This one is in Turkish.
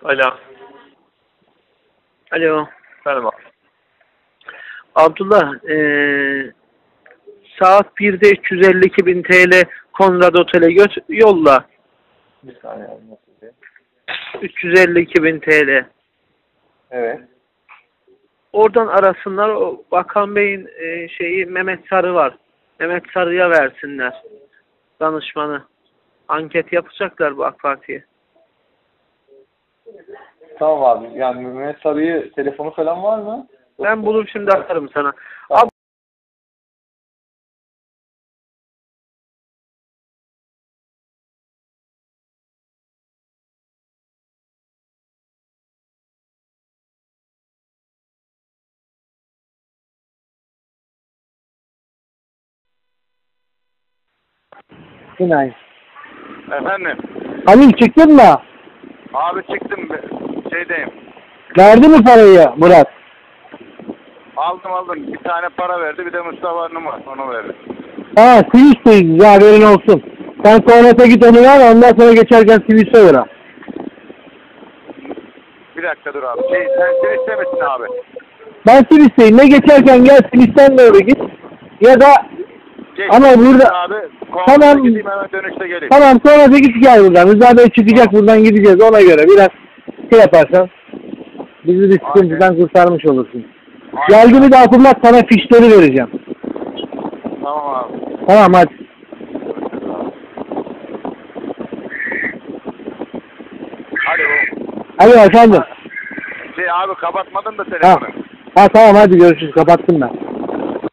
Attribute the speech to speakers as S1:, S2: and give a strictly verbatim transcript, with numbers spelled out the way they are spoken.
S1: Alo.
S2: Alo.
S1: Efendim abi.
S2: Abdullah, ee, saat birde üç yüz elli iki bin T L Konrad Otel'e göt yolla.
S1: Bir saniye abi, nasıl diye.
S2: üç yüz elli iki bin T L.
S1: Evet.
S2: Oradan arasınlar. O Bakan Bey'in ee, şeyi Mehmet Sarı var. Mehmet Sarı'ya versinler. Danışmanı. Anket yapacaklar bu AK Parti'ye.
S1: Tamam abi. Yani Mehmet Sarı'yı telefonu falan var mı?
S2: Ben bulup şimdi atarım sana.
S1: Tamam.
S3: Günay.
S4: Efendim,
S3: Halil çıktın mı?
S4: abi çıktım şeydeyim.
S3: Verdi mi parayı Murat?
S4: Aldım aldım. Bir tane para verdi, bir de Mustafa numara onu verdi.
S3: Ha, Sivis'teyiz ya, haberin olsun. Sen Konrad'a git onu ver, ondan sonra geçerken Sivis'e uğra.
S4: Bir dakika dur abi. Şey, sen sen istemesin abi.
S3: Ben Sivis'teyim, ne geçerken gel Sivis'ten doğru git. Ya da
S4: Geç,
S3: ama burada
S4: abi.
S3: tamam,
S4: Gideyim hemen dönüşte geleyim.
S3: tamam sonra da git gel buradan. Rıza Bey çıkacak, buradan gideceğiz, ona göre biraz şey yaparsan bizi bir sıkıntıdan kurtarmış olursun. Geldi mi de hatırlat, sana fişleri vereceğim.
S4: Tamam abi.
S3: Tamam hadi.
S4: Alo.
S3: Hadi efendim.
S4: Şey abi kapatmadın da
S3: Ha.
S4: telefonu.
S3: Ha tamam hadi görüşürüz, kapattım ben.